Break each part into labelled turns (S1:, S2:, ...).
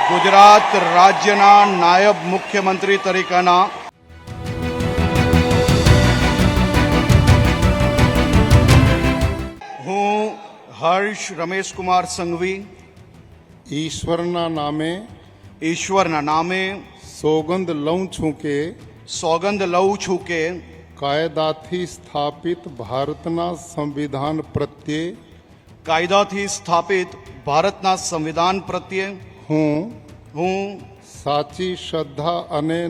S1: ગુજરાત રાજ્યના નાયબ મુખ્યમંત્રી તરીકેના હું હર્ષ રમેશકુમાર સંઘવી
S2: ઈશ્વરના નામે
S1: સોગંદ લઉં છું કે
S2: કાયદાથી સ્થાપિત ભારતના સંવિધાન પ્રત્યે હું સાચી શ્રદ્ધા અને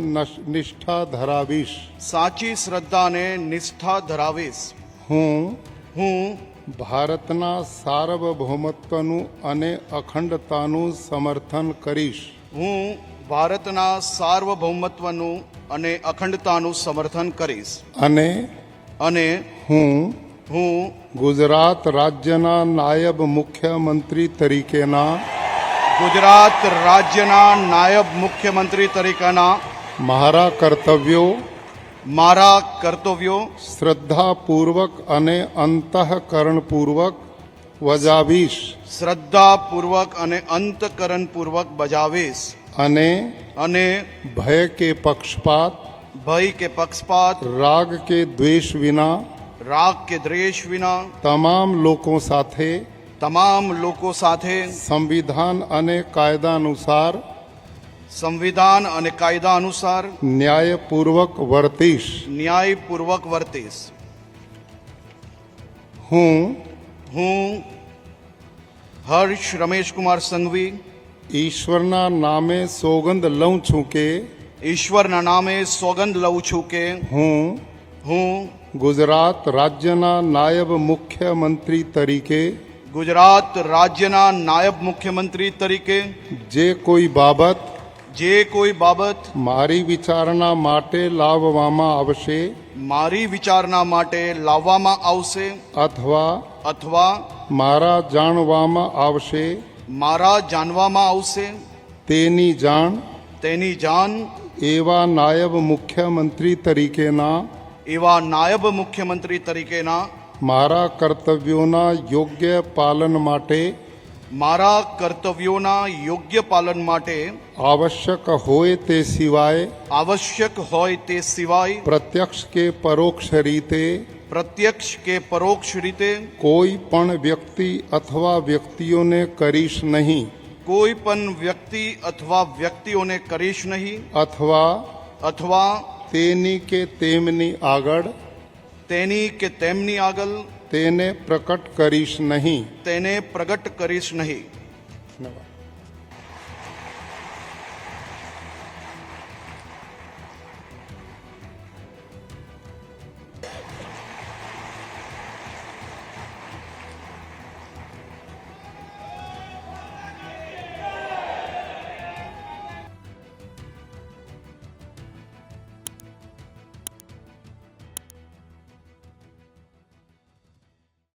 S2: નિષ્ઠા ધરાવીશ હું ભારતના સાર્વભૌમત્વનું અને અખંડતાનું સમર્થન કરીશ અને હું ગુજરાત રાજ્યના નાયબ મુખ્યમંત્રી તરીકેના મારા કર્તવ્યો શ્રદ્ધાપૂર્વક અને અંતઃકરણપૂર્વક બજાવીશ અને ભય કે પક્ષપાત રાગ કે દ્વેષ વિના તમામ લોકો સાથે સંવિધાન અને કાયદા અનુસાર ન્યાયપૂર્વક વર્તીશ હું હર્ષ રમેશકુમાર સંઘવી ઈશ્વરના નામે સોગંદ લઉં છું કે હું ગુજરાત રાજ્યના નાયબ મુખ્યમંત્રી તરીકે જે કોઈ બાબત મારી વિચારણા માટે લાવવામાં આવશે અથવા મારા જાણવામાં આવશે તેની જાણ એવા નાયબ મુખ્યમંત્રી તરીકેના મારા કર્તવ્યોના યોગ્ય પાલન માટે આવશ્યક હોય તે સિવાય પ્રત્યક્ષ કે પરોક્ષ રીતે કોઈ પણ વ્યક્તિ અથવા વ્યક્તિઓને કરીશ નહીં અથવા તેની કે તેમની આગળ તેને પ્રગટ કરીશ નહીં.